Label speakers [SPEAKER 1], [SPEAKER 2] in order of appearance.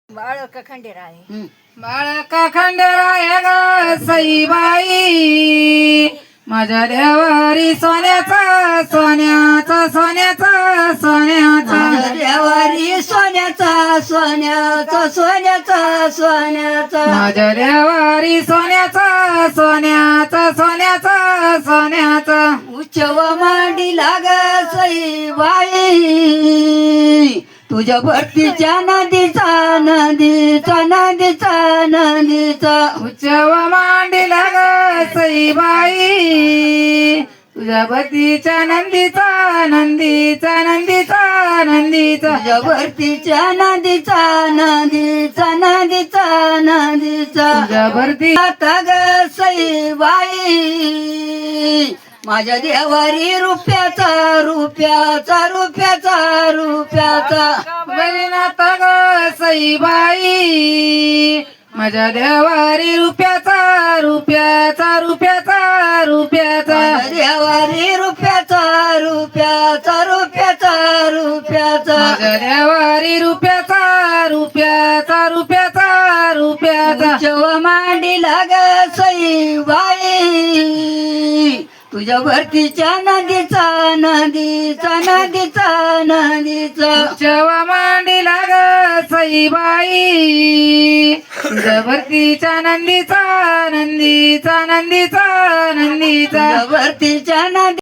[SPEAKER 1] बाळक खंडेराय
[SPEAKER 2] बाळक खंडेराय ग सईबाई माझ्या देवारी सोन्याचा सोन्याचा सोन्याचा सोन्याचा
[SPEAKER 1] देवारी सोन्याचा सोन्याचा सोन्याचा सोन्याचा
[SPEAKER 2] माझ्या देवारी सोन्याचा सोन्याचा सोन्याचा सोन्याचा
[SPEAKER 1] उच्चव मांडी लाग सईबाई तुझ्या भक्तीच्या नदीचा नदीचा नदीचा नदीचा
[SPEAKER 2] उच्चव मांडीला ग सईबाई तुझ्या भक्तीच्या नंदीचा नंदीचा नंदीचा नंदीचा
[SPEAKER 1] तुझ्या भक्तीच्या नदीचा नदीचा नदीचा नदीचा
[SPEAKER 2] तुझ्या भरती
[SPEAKER 1] आता ग सईबाई माझ्या देवारी रुपयाचा रुपयाचा रुपयाचा रुपयाचा
[SPEAKER 2] बलिनाथ ग सईबाई माझ्या देवारी रुपयाचा रुपयाचा रुपयाचा रुपयाचा
[SPEAKER 1] देवारी रुपयाचा रुपयाचा रुपयाचा रुपयाचा
[SPEAKER 2] माझ्या देवारी रुपयाचा रुपयाचा रुपयाचा रुपयाचा
[SPEAKER 1] उच्चव मांडी लाग सईबाई तुझ्या भरतीच्या नदीचा नदीचा नदीचा नदीचा
[SPEAKER 2] उच्चव मांडीला ग सईबाई तुझ्या भरतीच्या नंदीचा नंदीचा नंदीचा नंदीचा
[SPEAKER 1] तुझ्या भरतीच्या नदी